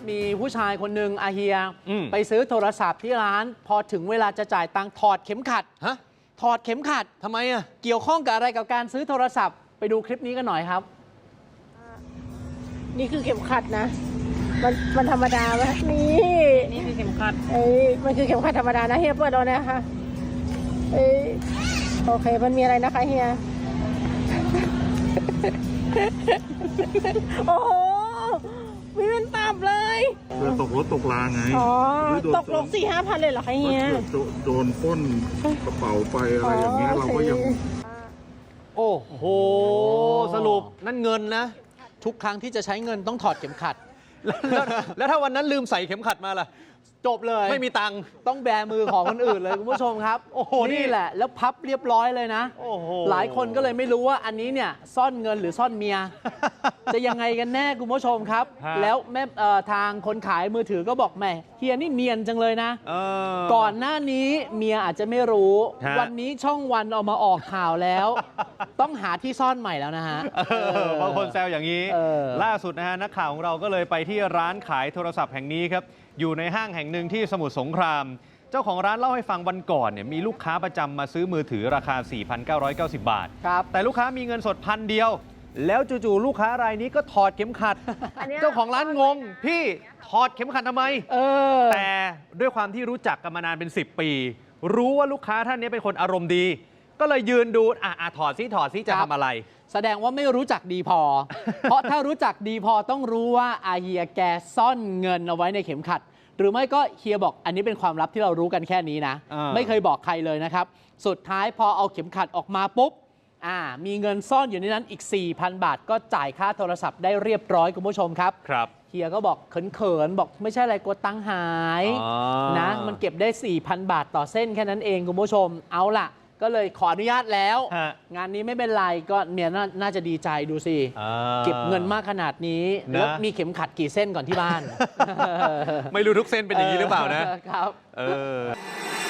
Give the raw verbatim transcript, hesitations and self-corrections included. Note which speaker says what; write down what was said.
Speaker 1: มีผู้ชายคนหนึ่งอาเฮียไปซื้อโทรศัพท์ที่ร้านพอถึงเวลาจะจ่ายตังค์ถอดเข็มขัด
Speaker 2: ฮะ
Speaker 1: ถอดเข็มขัด
Speaker 2: ทำไมอ่ะ
Speaker 1: เกี่ยวข้องกับอะไรกับการซื้อโทรศัพท์ไปดูคลิปนี้กันหน่อยครับ
Speaker 3: นี่คือเข็มขัดนะมันมันธรรมดาไหมนี่
Speaker 4: นี่คือเข็มขัด
Speaker 3: เอ้ยมันคือเข็มขัดธรรมดานะเฮียเปิดเอานะคะเอ้ยโอเคมันมีอะไรนะคะเฮียโอ้โหมีเป็นตับเลย
Speaker 5: เรือตกรถตกลาไง
Speaker 3: อ๋อตกลงสี่ห้าพันเลยเหรอคะเฮีย
Speaker 5: โดนปล้นกระเป๋าไปอะไรอย่างเงี้ยเราก็ยัง
Speaker 2: โอ้โหสรุปนั่นเงินนะ
Speaker 1: ทุกครั้งที่จะใช้เงินต้องถอดเข็มขัด
Speaker 2: แล้วแล้วถ้าวันนั้นลืมใส่เข็มขัดมาล่ะ
Speaker 1: จบเลย
Speaker 2: ไม่มีตังค์
Speaker 1: ต้องแบมือของคนอื่นเลยคุณผู้ชมครับโอ้โหนี่แหละแล้วพับเรียบร้อยเลยนะ
Speaker 2: โอ้โห
Speaker 1: หลายคนก็เลยไม่รู้ว่าอันนี้เนี่ยซ่อนเงินหรือซ่อนเมีย จะยังไงกันแน่คุณผู้ชมครับแล้วแม่ทางคนขายมือถือก็บอกแม่เฮียนี่เนียนจังเลยนะก่อนหน้านี้เมียอาจจะไม่รู้วันนี้ช่องวันเอามาออกข่าวแล้ว ต้องหาที่ซ่อนใหม่แล้วนะฮะ
Speaker 2: บางคนแซวอย่างนี้ล่าสุดนะฮะนักข่าวของเราก็เลยไปที่ร้านขายโทรศัพท์แห่งนี้ครับอยู่ในห้างแห่งหนึ่งที่สมุทรสงครามเจ้าของร้านเล่าให้ฟังวันก่อนเนี่ยมีลูกค้าประจำมาซื้อมือถือราคา สี่พันเก้าร้อยเก้าสิบ บาทแต่ลูกค้ามีเงินสดพันเดียวแล้วจู่ๆลูกค้ารายนี้ก็ถอดเข็มขัดเจ้าของร้านงงพี่ถอดเข็มขัดทำไมแต่ด้วยความที่รู้จักกันมานานเป็นสิบปีรู้ว่าลูกค้าท่านนี้เป็นคนอารมณ์ดีก็เลยยืนดูอ่ะถอดซิถอดซิจะทำอะไร
Speaker 1: แสดงว่าไม่รู้จักดีพอ เพราะถ้ารู้จักดีพอต้องรู้ว่าอาเฮียแกซ่อนเงินเอาไว้ในเข็มขัดหรือไม่ก็เฮียบอกอันนี้เป็นความลับที่เรารู้กันแค่นี้นะไม่เคยบอกใครเลยนะครับสุดท้ายพอเอาเข็มขัดออกมาปุ๊บอ่ามีเงินซ่อนอยู่ในนั้นอีก สี่พัน บาทก็จ่ายค่าโทรศัพท์ได้เรียบร้อยคุณผู้ชมครับ
Speaker 2: ครับ
Speaker 1: เฮียก็บอกเขินๆบอกไม่ใช่อะไรกลัวตังค์หายนะมันเก็บได้ สี่พัน บาทต่อเส้นแค่นั้นเองคุณผู้ชมเอาล่ะก็เลยขออนุญาตแล้วงานนี้ไม่เป็นไรก็เมียน่าจะดีใจดูสิเก็บเงินมากขนาดนี้แล้วมีเข็มขัดกี่เส้นก่อนที่บ้าน
Speaker 2: ไม่รู้ทุกเส้นเป็นอย่างนี้หรือเปล่านะครับ
Speaker 1: เออ